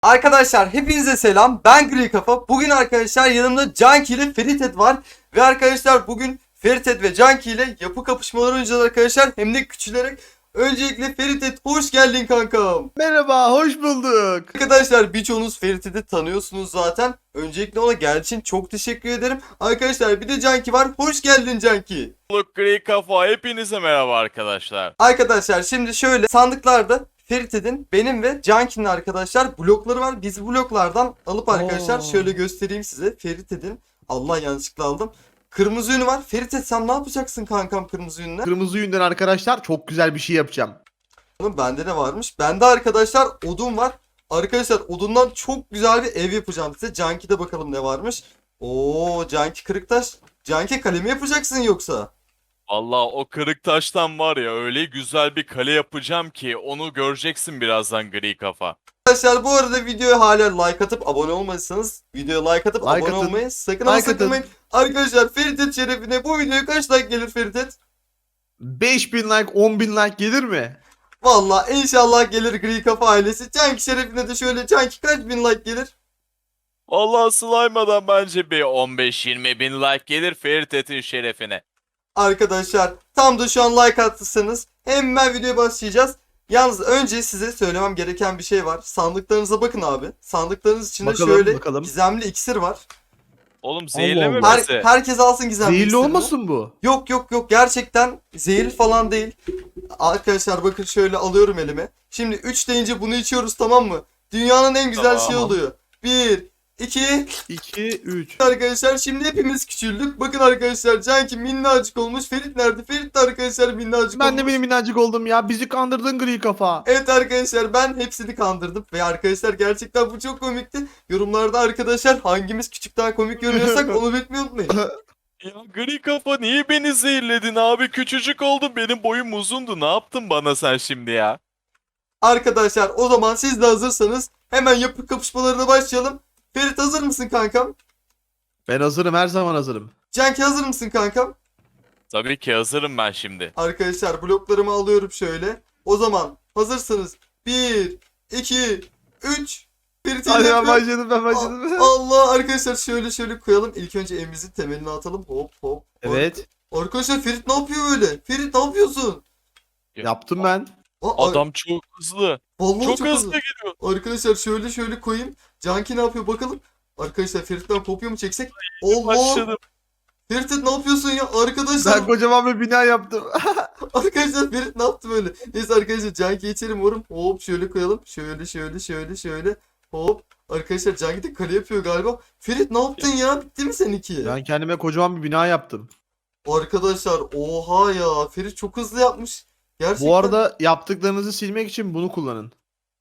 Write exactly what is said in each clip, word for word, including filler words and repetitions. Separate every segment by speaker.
Speaker 1: Arkadaşlar hepinize selam. Ben Gri Kafa. Bugün arkadaşlar yanımda Canki ile Feritet var. Ve arkadaşlar bugün Feritet ve Canki ile yapı kapışmaları oynayacağız arkadaşlar. Hem de küçülerek. Öncelikle Feritet hoş geldin kankam.
Speaker 2: Merhaba, hoş bulduk.
Speaker 1: Arkadaşlar birçoğunuz Feritet'i tanıyorsunuz zaten. Öncelikle ona geldiği için çok teşekkür ederim. Arkadaşlar bir de Canki var. Hoş geldin Canki.
Speaker 3: Bulduk Gri Kafa. Hepinize merhaba arkadaşlar.
Speaker 1: Arkadaşlar şimdi şöyle sandıklarda Ferit'in, benim ve Canki'nin arkadaşlar blokları var. Biz bloklardan alıp arkadaşlar
Speaker 2: Oo.
Speaker 1: şöyle göstereyim size. Ferit'in, Allah yanlışlıkla aldım. Kırmızı yünü var. Ferit sen ne yapacaksın kankam kırmızı yünle?
Speaker 2: Kırmızı yünden arkadaşlar çok güzel bir şey yapacağım.
Speaker 1: Oğlum bende ne varmış? Bende arkadaşlar odun var. Arkadaşlar odundan çok güzel bir ev yapacağım size. Canki'de bakalım ne varmış. Oo Canki Kırıktaş. Canki kalemi yapacaksın yoksa?
Speaker 3: Vallahi o kırık taştan var ya öyle güzel bir kale yapacağım ki onu göreceksin birazdan Gri Kafa.
Speaker 1: Arkadaşlar bu arada videoya hala like atıp abone olmadıysanız videoya like atıp
Speaker 2: Like
Speaker 1: abone
Speaker 2: atın.
Speaker 1: olmayı sakın
Speaker 2: Like
Speaker 1: ama
Speaker 2: atın.
Speaker 1: sakınmayın. Arkadaşlar Feritet şerefine bu videoya kaç like gelir Feritet?
Speaker 2: beş bin like, on bin like gelir mi?
Speaker 1: Valla inşallah gelir Gri Kafa ailesi. Canki şerefine de şöyle Canki kaç bin like gelir?
Speaker 3: Vallahi slaymadan bence bir on beş yirmi bin like gelir Ferit'in şerefine.
Speaker 1: Arkadaşlar tam da şu an like attıysanız hemen videoya başlayacağız. Yalnız önce size söylemem gereken bir şey var. Sandıklarınıza bakın abi. Sandıklarınız içinde
Speaker 2: Bakalım,
Speaker 1: şöyle
Speaker 2: bakalım.
Speaker 1: gizemli iksir var.
Speaker 3: Oğlum
Speaker 2: Allah
Speaker 3: zehirlememesi.
Speaker 1: Her, herkes alsın gizemli
Speaker 2: Zehirli
Speaker 1: iksirini.
Speaker 2: olmasın bu?
Speaker 1: Yok yok yok gerçekten zehirli falan değil. Arkadaşlar bakın şöyle alıyorum elime. Şimdi üç deyince bunu içiyoruz tamam mı? Dünyanın en güzel
Speaker 3: Tamam.
Speaker 1: şey oluyor. bir, iki,
Speaker 2: iki, üç.
Speaker 1: arkadaşlar şimdi hepimiz küçüldük. Bakın arkadaşlar Canki minnacık olmuş. Ferit nerede? Ferit de arkadaşlar minnacık
Speaker 2: Ben
Speaker 1: olmuş.
Speaker 2: de benim minnacık oldum ya. Bizi kandırdın gri kafa.
Speaker 1: Evet arkadaşlar ben hepsini kandırdım. Ve arkadaşlar gerçekten bu çok komikti. Yorumlarda arkadaşlar hangimiz küçük daha komik görünüyorsak onu beklemeyi unutmayın.
Speaker 3: Ya Gri Kafa niye beni zehirledin abi? Küçücük oldum, benim boyum uzundu. Ne yaptın bana sen şimdi ya?
Speaker 1: Arkadaşlar o zaman siz de hazırsanız hemen yapı kapışmalarına başlayalım. Ferit hazır mısın kankam?
Speaker 2: Ben hazırım, her zaman hazırım.
Speaker 1: Canki hazır mısın kankam?
Speaker 3: Tabii ki hazırım ben şimdi.
Speaker 1: Arkadaşlar bloklarımı alıyorum şöyle. O zaman hazırsanız bir, iki, üç. Ferit
Speaker 2: Hadi ben
Speaker 1: yapıyor.
Speaker 2: başladım, ben başladım.
Speaker 1: Allah arkadaşlar şöyle şöyle koyalım. İlk önce evimizin temelini atalım. Hop hop.
Speaker 2: Evet,
Speaker 1: Arkadaşlar Ferit ne yapıyor böyle? Ferit ne yapıyorsun?
Speaker 2: yaptım ben.
Speaker 1: Aa,
Speaker 3: Adam çok hızlı.
Speaker 1: vallahi
Speaker 3: Çok,
Speaker 1: çok
Speaker 3: hızlı
Speaker 1: hızlı.
Speaker 3: gidiyor.
Speaker 1: Arkadaşlar şöyle şöyle koyayım. Canki ne yapıyor bakalım. Arkadaşlar Ferit'ten kopya mı çeksek? Allah!
Speaker 3: Başladım.
Speaker 1: Ferit ne yapıyorsun ya? Arkadaşlar
Speaker 2: Ben kocaman bir bina yaptım.
Speaker 1: arkadaşlar Ferit ne yaptı böyle? Neyse arkadaşlar Canki içerim umarım. Hop şöyle koyalım. Şöyle şöyle şöyle şöyle. Hop. Arkadaşlar Canki de kale yapıyor galiba. Ferit ne yaptın ya? Bitti mi seninki?
Speaker 2: Ben kendime kocaman bir bina yaptım.
Speaker 1: Arkadaşlar oha ya. Ferit çok hızlı yapmış. Gerçekten.
Speaker 2: Bu arada yaptıklarınızı silmek için bunu kullanın.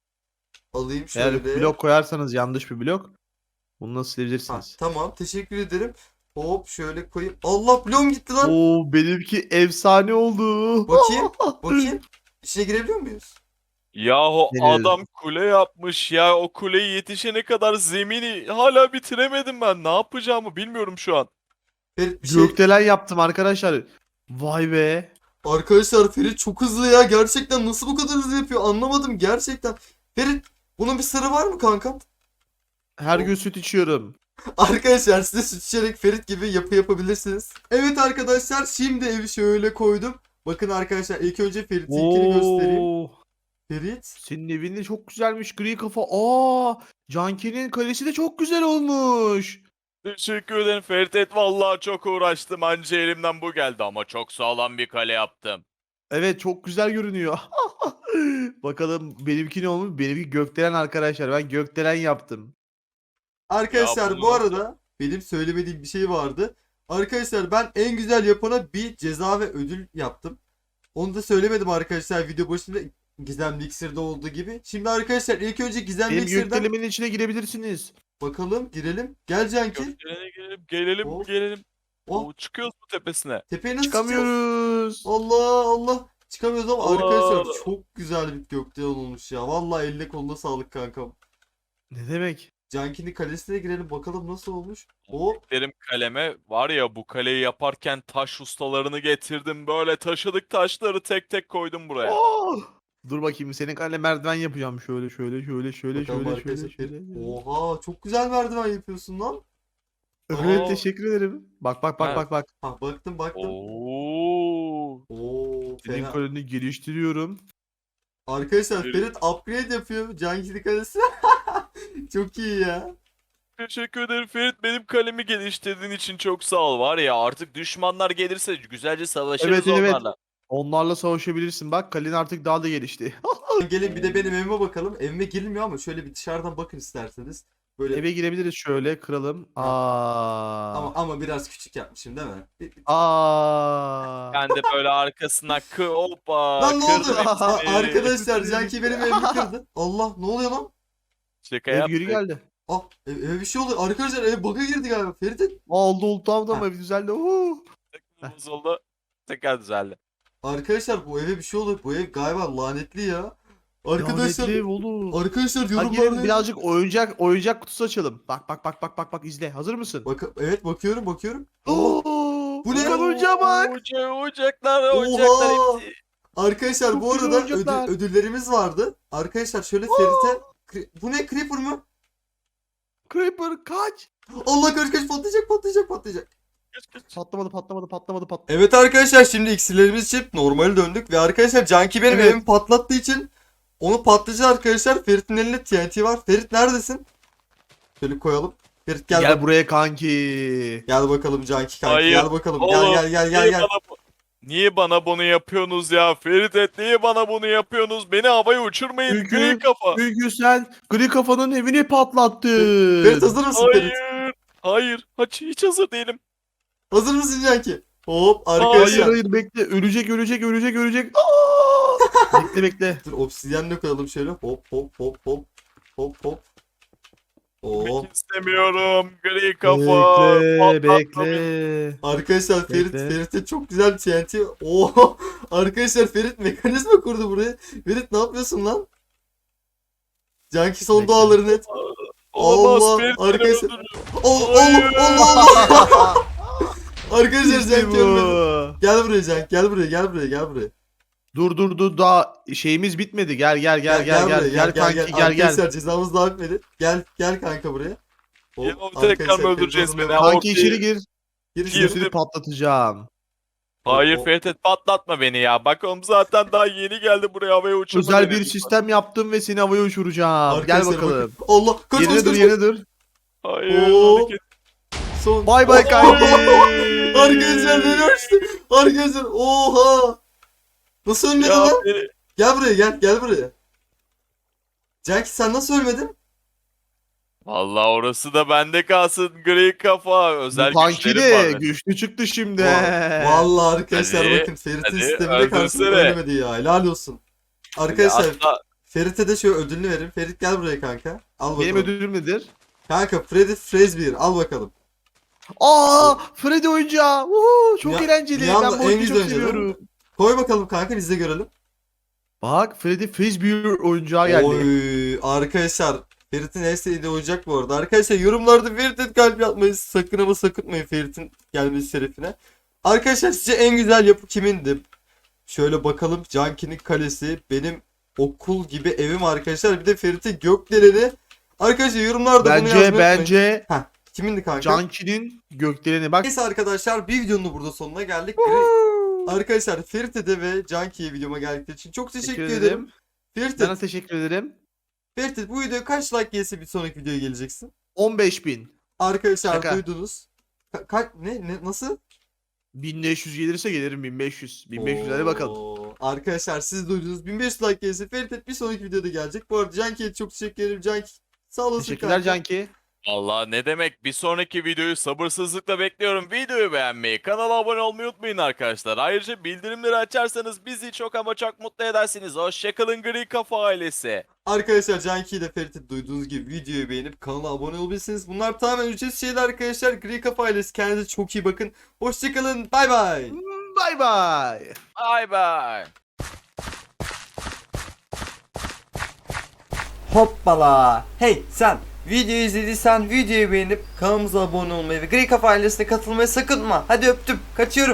Speaker 1: Alayım
Speaker 2: Eğer
Speaker 1: şöyle.
Speaker 2: blok koyarsanız yanlış bir blok, bunu nasıl
Speaker 1: Ha,
Speaker 2: silebilirsiniz?
Speaker 1: tamam teşekkür ederim. Hop şöyle koyayım. Allah bloğum gitti lan.
Speaker 2: Oo, benimki efsane oldu.
Speaker 1: Bakayım. Bakayım. İçine girebiliyor muyuz?
Speaker 3: Yahu
Speaker 2: Deneriz.
Speaker 3: adam kule yapmış ya, o kuleyi yetişene kadar zemini hala bitiremedim ben. Ne yapacağımı bilmiyorum şu an.
Speaker 1: Ferit bir şey.
Speaker 2: Gökdelen yaptım arkadaşlar. Vay be.
Speaker 1: Arkadaşlar Ferit çok hızlı ya. Gerçekten nasıl bu kadar hızlı yapıyor anlamadım gerçekten. Ferit bunun bir sırrı var mı kankam?
Speaker 2: Her gün süt içiyorum.
Speaker 1: Arkadaşlar size süt içerek Ferit gibi yapı yapabilirsiniz. Evet arkadaşlar şimdi evi şöyle koydum. Bakın arkadaşlar ilk önce Ferit'inkini göstereyim.
Speaker 2: Oo,
Speaker 1: Ferit.
Speaker 2: senin evin de çok güzelmiş gri kafa. Aa, Canki'nin kalesi de çok güzel olmuş.
Speaker 3: Teşekkür ederim Ferit. Vallahi çok uğraştım. Anca elimden bu geldi ama çok sağlam bir kale yaptım.
Speaker 2: Evet, çok güzel görünüyor. Bakalım benimki ne olmuş? Benimki gökdelen arkadaşlar. Ben gökdelen yaptım.
Speaker 1: Arkadaşlar
Speaker 3: Ya bunu
Speaker 1: bu
Speaker 3: nasıl-
Speaker 1: arada benim söylemediğim bir şey vardı. Arkadaşlar ben en güzel yapana bir ceza ve ödül yaptım. Onu da söylemedim arkadaşlar video başında Gizemli İksir'de olduğu gibi. Şimdi arkadaşlar ilk önce Gizemli
Speaker 2: Benim
Speaker 1: İksir'den
Speaker 2: gökdelemin içine girebilirsiniz.
Speaker 1: bakalım girelim. Gel Canki.
Speaker 3: Gökdelene gelelim, gelelim,
Speaker 1: Oh.
Speaker 3: gelelim.
Speaker 1: Oh.
Speaker 3: Oo, çıkıyoruz mu tepesine?
Speaker 1: Tepeye nasıl çıkacağız?
Speaker 2: Çıkamıyoruz.
Speaker 1: Allah Allah. Çıkamıyoruz ama
Speaker 3: Allah.
Speaker 1: arkadaşlar çok güzel bir gökdelen olmuş ya. Vallahi eline koluna sağlık kankam.
Speaker 2: Ne demek?
Speaker 1: Canki'nin kalesine girelim bakalım nasıl olmuş. Hop.
Speaker 3: Derim kaleme var ya, bu kaleyi yaparken taş ustalarını getirdim. Böyle taşıdık taşları, tek tek koydum buraya.
Speaker 2: Oh! Dur bakayım senin kale merdiven yapacağım. Şöyle şöyle şöyle şöyle
Speaker 1: Bakalım
Speaker 2: şöyle
Speaker 1: arkadaşlar.
Speaker 2: şöyle şöyle.
Speaker 1: Ferit- Oha çok güzel merdiven yapıyorsun lan.
Speaker 2: Evet
Speaker 3: Oo.
Speaker 2: teşekkür ederim. Bak bak bak
Speaker 3: Ha.
Speaker 2: bak bak.
Speaker 1: Ha baktım baktım.
Speaker 3: Oo.
Speaker 1: Oo
Speaker 2: Senin
Speaker 1: fena.
Speaker 2: kaleni geliştiriyorum.
Speaker 1: Arkadaşlar
Speaker 3: Ferit-
Speaker 1: Ferit upgrade yapıyor Cankili kalesi. Çok iyi ya.
Speaker 3: Teşekkür ederim Ferit. Benim kalemi geliştirdiğin için çok sağ ol. Var ya artık düşmanlar gelirse güzelce savaşırız
Speaker 2: Evet, evet.
Speaker 3: onlarla.
Speaker 2: Onlarla savaşabilirsin. Bak kalen artık daha da gelişti.
Speaker 1: Gelin bir de benim evime bakalım. Evime girilmiyor ama şöyle bir dışarıdan bakın isterseniz. Böyle
Speaker 2: Eve girebiliriz şöyle kıralım.
Speaker 1: Ha.
Speaker 2: Aa.
Speaker 1: ama ama biraz küçük yapmışım değil mi? Bir- bir-
Speaker 2: Aa.
Speaker 3: Ben de böyle arkasına kı hoppa
Speaker 1: Lan ne oldu?
Speaker 3: kırdım
Speaker 1: Aa,
Speaker 3: hepsini.
Speaker 1: arkadaşlar Canki benim evimi kırdı. Allah ne oluyor lan?
Speaker 3: Şaka
Speaker 2: Ev
Speaker 3: yaptık.
Speaker 2: geri geldi.
Speaker 1: Ah ev- eve bir şey oldu. Arkadaşlar ev bug'a girdi galiba. Ferit
Speaker 2: Aa, oldu oldu tamam tamam
Speaker 1: Ha.
Speaker 2: ev düzeldi. Oo.
Speaker 3: Bozuldu. Tekrar düzeldi.
Speaker 1: arkadaşlar bu eve bir şey oldu. Bu ev galiba lanetli ya. Arkadaşlar
Speaker 2: Lanetli ev olur.
Speaker 1: arkadaşlar
Speaker 2: Hadi gelin
Speaker 1: yorumlarda
Speaker 2: birazcık oyuncak oyuncak kutusu açalım. Bak bak bak bak bak bak izle. Hazır mısın?
Speaker 1: Bak evet bakıyorum bakıyorum.
Speaker 2: Oo,
Speaker 1: Bu ne?
Speaker 2: Furkan oyuncağa bak.
Speaker 3: Oyuncak, oyuncaklar, oyuncaklar
Speaker 1: Oha!
Speaker 3: hepsi.
Speaker 1: Arkadaşlar
Speaker 2: Çok
Speaker 1: bu
Speaker 2: güzel
Speaker 1: arada
Speaker 2: oyuncaklar.
Speaker 1: ödül- ödüllerimiz vardı. Arkadaşlar şöyle Ferit'e Kri- bu ne Creeper mı?
Speaker 2: Creeper kaç.
Speaker 1: Allah kaç kaç patlayacak patlayacak patlayacak.
Speaker 3: Kaç, kaç.
Speaker 2: Patlamadı patlamadı patlamadı patlamadı.
Speaker 1: Evet arkadaşlar şimdi iksirlerimiz içip normale döndük ve arkadaşlar Canki benim
Speaker 2: Evet.
Speaker 1: evimi patlattığı için onu patlayacak arkadaşlar. Ferit'in elinde T N T var. Ferit neredesin? Şöyle koyalım. Ferit gel.
Speaker 2: Gel,
Speaker 1: bak-
Speaker 2: buraya kanki.
Speaker 1: Gel bakalım Canki kanki.
Speaker 3: Hayır.
Speaker 1: Gel bakalım. Gel
Speaker 3: Oğlum,
Speaker 1: gel gel gel
Speaker 3: niye
Speaker 1: gel.
Speaker 3: Bana, bu- niye bana bunu yapıyorsunuz ya? Ferit et niye bana bunu yapıyorsunuz? Beni havaya uçurmayın.
Speaker 2: Çünkü-
Speaker 3: Gri kafa.
Speaker 2: Çünkü sen gri kafanın evini patlattın.
Speaker 1: Ferit hazır mısın Ferit?
Speaker 3: Hayır. Hayır. Hiç, hiç hazır değilim.
Speaker 1: Hazır mısın Canki? Hop
Speaker 2: Hayır
Speaker 1: arkadaşlar.
Speaker 2: hayır bekle. Ölecek ölecek ölecek ölecek. Aa! bekle bekle.
Speaker 1: Dur obsidyenle koyalım şöyle. Hop hop hop hop. Hop hop. Oo.
Speaker 3: Gitmek istemiyorum. Gri kafa.
Speaker 2: Bekle
Speaker 3: Patlatma beni.
Speaker 2: bekle.
Speaker 1: Arkadaşlar Ferit
Speaker 2: Bekle.
Speaker 1: Ferit'e çok güzel bir T N T. Oo. Arkadaşlar Ferit mekanizma kurdu buraya. Ferit ne yapıyorsun lan? Canki son
Speaker 2: Bekle.
Speaker 1: duaları net.
Speaker 3: Olamaz.
Speaker 1: Allah,
Speaker 3: Ferit beni
Speaker 1: arkadaşlar.
Speaker 3: öldürür.
Speaker 1: Ol,
Speaker 3: Hayır.
Speaker 1: oğlum Allah Allah. Arkadaşlar
Speaker 2: İşte
Speaker 1: Canki
Speaker 2: bu.
Speaker 1: ölmedi. Gel buraya Canki gel buraya gel buraya gel buraya.
Speaker 2: Dur dur dur daha şeyimiz bitmedi. Gel gel gel gel gel gel, kanki gel gel.
Speaker 1: Arkadaşlar cezamız daha bitmedi. Gel gel kanka buraya. Hop,
Speaker 3: Ya, tekrar
Speaker 1: arkadaşlar,
Speaker 3: mı öldüreceğiz
Speaker 1: Ferit
Speaker 3: beni?
Speaker 1: hazırlanıyor.
Speaker 2: Kanki
Speaker 3: Of,
Speaker 2: içeri gir.
Speaker 1: Gir
Speaker 3: Gir.
Speaker 1: şimdi.
Speaker 2: Şimdi seni patlatacağım.
Speaker 3: Hayır
Speaker 1: O-
Speaker 3: Ferit et patlatma beni ya. Bak oğlum zaten daha yeni geldi buraya havaya uçurma
Speaker 2: Özel
Speaker 3: beni
Speaker 2: bir
Speaker 3: lütfen.
Speaker 2: sistem yaptım ve seni havaya uçuracağım. Gel
Speaker 1: Arkadaşlar
Speaker 2: bakalım.
Speaker 1: bakın. Allah kaç kaç
Speaker 2: Yerine
Speaker 1: kaç.
Speaker 2: dur
Speaker 1: kaç.
Speaker 2: yerine dur.
Speaker 3: Hayır.
Speaker 1: Oo.
Speaker 3: hareket-
Speaker 1: Son.
Speaker 2: Bay bay kanki.
Speaker 1: Arkadaşlar beni açtı. Arkadaşlar oha. Nasıl ölmedin
Speaker 3: Ya
Speaker 1: lan?
Speaker 3: beni-
Speaker 1: Gel buraya gel gel buraya. Canki sen nasıl ölmedin?
Speaker 3: Vallahi orası da bende kalsın gri kafa. Özel
Speaker 2: Bu kanki
Speaker 3: güçlerim var
Speaker 2: de
Speaker 3: benim.
Speaker 2: güçlü çıktı şimdi.
Speaker 1: Va- Vallahi arkadaşlar
Speaker 3: Hadi,
Speaker 1: bakın Ferit'in
Speaker 3: hadi,
Speaker 1: sistemine karşı
Speaker 3: öldürsene.
Speaker 1: ölmedi ya. Helal olsun. Arkadaşlar
Speaker 3: Hatta
Speaker 1: Ferit'e de şöyle ödülünü verin. Ferit gel buraya kanka. Al bakalım.
Speaker 2: Benim ödülüm nedir?
Speaker 1: Kanka Freddy Fazbear al bakalım.
Speaker 2: Aa, Freddy oyuncağı. Uhu, çok
Speaker 1: Ya-
Speaker 2: eğlenceli.
Speaker 1: bir
Speaker 2: Ben
Speaker 1: anda
Speaker 2: bu
Speaker 1: en
Speaker 2: oyunu
Speaker 1: güzel
Speaker 2: çok
Speaker 1: oyuncağı değil mi?
Speaker 2: seviyorum.
Speaker 1: Koy bakalım kanka biz de görelim.
Speaker 2: Bak Freddy Fazbear oyuncağı geldi.
Speaker 1: Oy arkadaşlar Ferit'in en sevdiği oyuncak bu arada. Arkadaşlar yorumlarda Ferit'e kalp yapmayı sakın ama sakıtmayın Ferit'in gelmesi şerefine. Arkadaşlar sizce en güzel yapı kimindi? Şöyle bakalım Canki'nin kalesi, benim okul gibi evim arkadaşlar. Bir de Ferit'in gökdeleni. Arkadaşlar yorumlarda bunu yazmayı
Speaker 2: Bence
Speaker 1: unutmayın.
Speaker 2: bence
Speaker 1: Heh, kimindi kanka?
Speaker 2: Canki'nin gökdeleni bak.
Speaker 1: Neyse arkadaşlar bir videonun da burada sonuna geldik. Arkadaşlar Ferit'e de ve Canki'ye videoma geldikleri için çok teşekkür,
Speaker 2: Teşekkür
Speaker 1: ederim.
Speaker 2: ederim.
Speaker 1: Ferit,
Speaker 2: Sana teşekkür ederim.
Speaker 1: Ferit bu videoya kaç like gelirse bir sonraki videoya geleceksin?
Speaker 2: on beş bin.
Speaker 1: Arkadaşlar
Speaker 2: Şaka.
Speaker 1: duydunuz. Ka- ka- ne, ne nasıl?
Speaker 2: bin beş yüz gelirse gelirim bin beş yüz. bin beş yüz hadi bakalım.
Speaker 1: Oo, arkadaşlar siz duydunuz. bin beş yüz like gelirse Ferit bir sonraki videoda gelecek. Bu arada Canki'ye çok teşekkür ederim. Canki sağ olasın
Speaker 2: Teşekkürler
Speaker 1: kanka.
Speaker 2: Canki.
Speaker 3: Allah ne demek bir sonraki videoyu sabırsızlıkla bekliyorum. Videoyu beğenmeyi, kanala abone olmayı unutmayın arkadaşlar. Ayrıca bildirimleri açarsanız bizi çok ama çok mutlu edersiniz. Hoşçakalın gri kafa ailesi.
Speaker 1: Arkadaşlar Canki'yi de Ferit'i duyduğunuz gibi videoyu beğenip kanala abone olabilirsiniz. Bunlar tamamen ücretsiz şeyler arkadaşlar. Gri Kafa ailesi kendinize çok iyi bakın. Hoşçakalın. Bay bay.
Speaker 2: Bay bay.
Speaker 3: Bye bye.
Speaker 1: Hoppala. Hey sen videoyu izlediysen videoyu beğenip kanalımıza abone olmayı ve Gri Kafa ailesine katılmayı sakın unutma. Hadi öptüm. Kaçıyorum.